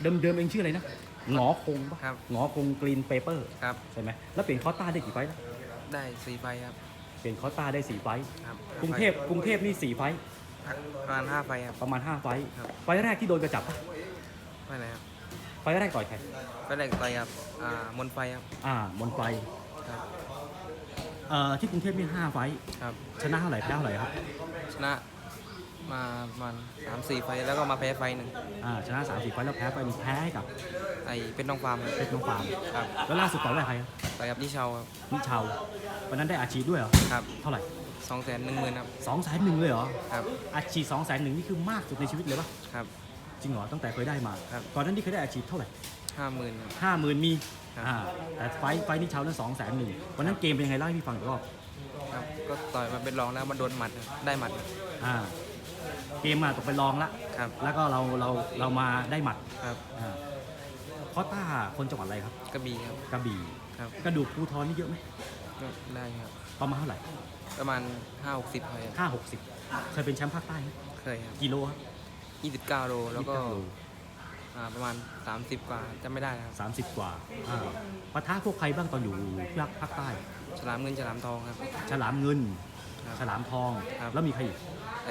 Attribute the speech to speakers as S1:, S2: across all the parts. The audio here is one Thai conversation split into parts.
S1: เดิมเองชื่ออะไรนะหงอคงปะ
S2: ครับ
S1: หงอคงกรีนเปเปอร์
S2: ครับ
S1: ใช่ไหมแล้วเปลี่ยนคอต้าได้กี่ไฟต์แล้ว
S2: ได้4 ไฟครับ
S1: เปลี่ยนคอต้าได้4 ไฟต์
S2: ครับ
S1: กรุงเทพนี่4 ไฟต์
S2: ประมาณ5 ไฟครับ
S1: ประมาณ5 ไฟต์
S2: ครับ
S1: ไฟต์แรกที่โดนกระจับปะ
S2: ไม่ไหนครับ
S1: ไฟต์แรกต่อยใคร
S2: ไฟแรกต่อยครับมนไฟครับ
S1: มนไฟ
S2: ครับ
S1: ที่กรุงเทพนี่5 ไฟต์
S2: ครับ
S1: ชนะเท่าไหร่แพ้เท่าไหร่ครับ
S2: ชนะมาประมาณ3-4 ไฟแล้วก็มาแพ้ไฟหนึ่ง
S1: ชนะ3-4 ไฟต์แล้วแพ้ไปนี่แพ้ให้กับ
S2: ไอเป็นน้องฟาร์ม
S1: เพชรน้องฟาร์ม
S2: ครับ
S1: แล้วล่าสุดต่อยกับใครครับ
S2: ต่อยกับนิชาวครับ
S1: นิชาววันนั้นได้อาชีพด้วยเหรอ
S2: ครับ
S1: เท่าไหร่
S2: 210,000ครับ
S1: 210,000เลยเหรอ
S2: ครับ
S1: อาชีพ210,000นี่คือมากสุดในชีวิตเลยปะ
S2: ครับ
S1: จริงเหรอตั้งแต่เคยได้มา
S2: ครับ
S1: ก่อนนั้นที่เคยได้อาชีพเท่าไหร่
S2: 50,000ครับ
S1: 50,000มี
S2: ครับ
S1: แต่ไฟนี้เช้านั้น210,000วันนั้นเกมเป็นยังไงเล่าให้พี่ฟังอีกรอบ
S2: ครับก็ต่อยมาเป็นรองแล้วมันโดนหมัดครับได้หมัดครับ
S1: เกมมาตกไปรองละ
S2: ครับ
S1: แล้วก็เรามาได้หมัด
S2: ครับ
S1: คอต้าคนจังหวัดอะไรครับ
S2: กระบี่ครับ
S1: กระบี่
S2: ครับ
S1: กระดูกภูทรนี่เยอะไหม
S2: ก็ได้ครับ
S1: ประมาณเท่าไหร่
S2: ประมาณ5-60ครับ
S1: 50-60เคยเป็นแชมป์ภาคใต้ไหม
S2: เคยครับ
S1: กิโลครับ
S2: 29 โลแล้วก็
S1: 29 โล
S2: ประมาณ30 กว่าจำไม่ได้ครับ
S1: 30 กว่าปะทะพวกใครบ้างตอนอยู่ภาคใต้
S2: ฉลามเงินฉลามทองครับ
S1: ฉลามเงิน
S2: ครับ
S1: ฉลามทอง
S2: ครับ
S1: แล้วมีใครอีก
S2: ไอ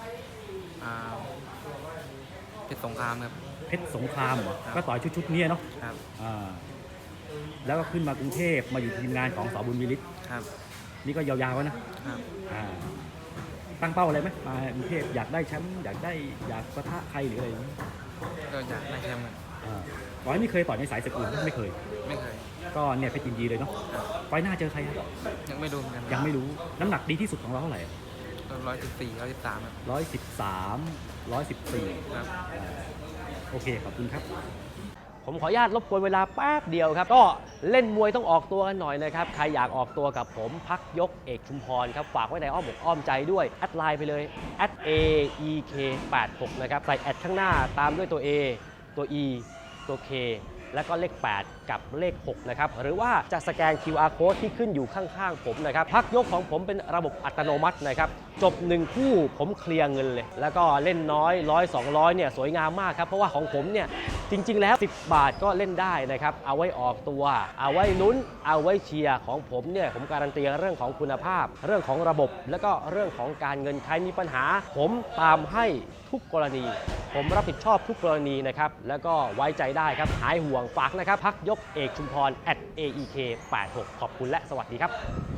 S2: เพชรสงครามครับ
S1: เพชรสงครามเหรอ
S2: ครับ
S1: ก็ต่อยชุดนี้เนาะ
S2: ครับ
S1: แล้วก็ขึ้นมากรุงเทพมาอยู่ทีมงานของสบุญวิริศ
S2: ครับ
S1: นี่ก็ยาวๆแล้วนะครับตั้งเป้าอะไรไหมมากรุงเทพอยากได้แชมป์อยากปะทะใครหรืออะไรอย่างนี้
S2: ก็อยากได้แชมป์ครับ
S1: ต่อยไม่เคยต่อยในสายศึกอื่นไม่เคยก็เนี่ยเพชรยินดีเลยเนาะไฟหน้าเจอใครครับ
S2: ยังไม่รู้เหมือนกัน
S1: ยังไม่รู้น้ำหนักดีที่สุดของเราเท่าไหร่
S2: 114 113ครับ
S1: 113 114
S2: ครับ
S1: โอเคขอบคุณครับ
S3: ผมขออนุญาตรบกวนเวลาแป๊บเดียวครับก็เล่นมวยต้องออกตัวกันหน่อยนะครับใครอยากออกตัวกับผมพักยกเอกชุมพรครับฝากไว้ในอ้อมอกอ้อมใจด้วยแอดไลน์ไปเลย @aek86 นะครับใส่แอดข้างหน้าตามด้วยตัว A ตัว E ตัว K แล้วก็เลข 8 กับเลข 6 นะครับหรือว่าจะสแกน QR code ที่ขึ้นอยู่ข้างๆผมนะครับพักยกของผมเป็นระบบอัตโนมัตินะครับจบ1คู่ผมเคลียร์เงินเลยแล้วก็เล่นน้อย100 200เนี่ยสวยงามมากครับเพราะว่าของผมเนี่ยจริงๆแล้ว10 บาทก็เล่นได้นะครับเอาไว้ออกตัวเอาไว้ลุ้นเอาไว้เชียร์ของผมเนี่ยผมการันตีเรื่องของคุณภาพเรื่องของระบบแล้วก็เรื่องของการเงินใครมีปัญหาผมตามให้ทุกกรณีผมรับผิดชอบทุกกรณีนะครับแล้วก็ไว้ใจได้ครับหายห่วงฝากนะครับพักยกเอกชุมพร @aek86 ขอบคุณและสวัสดีครับ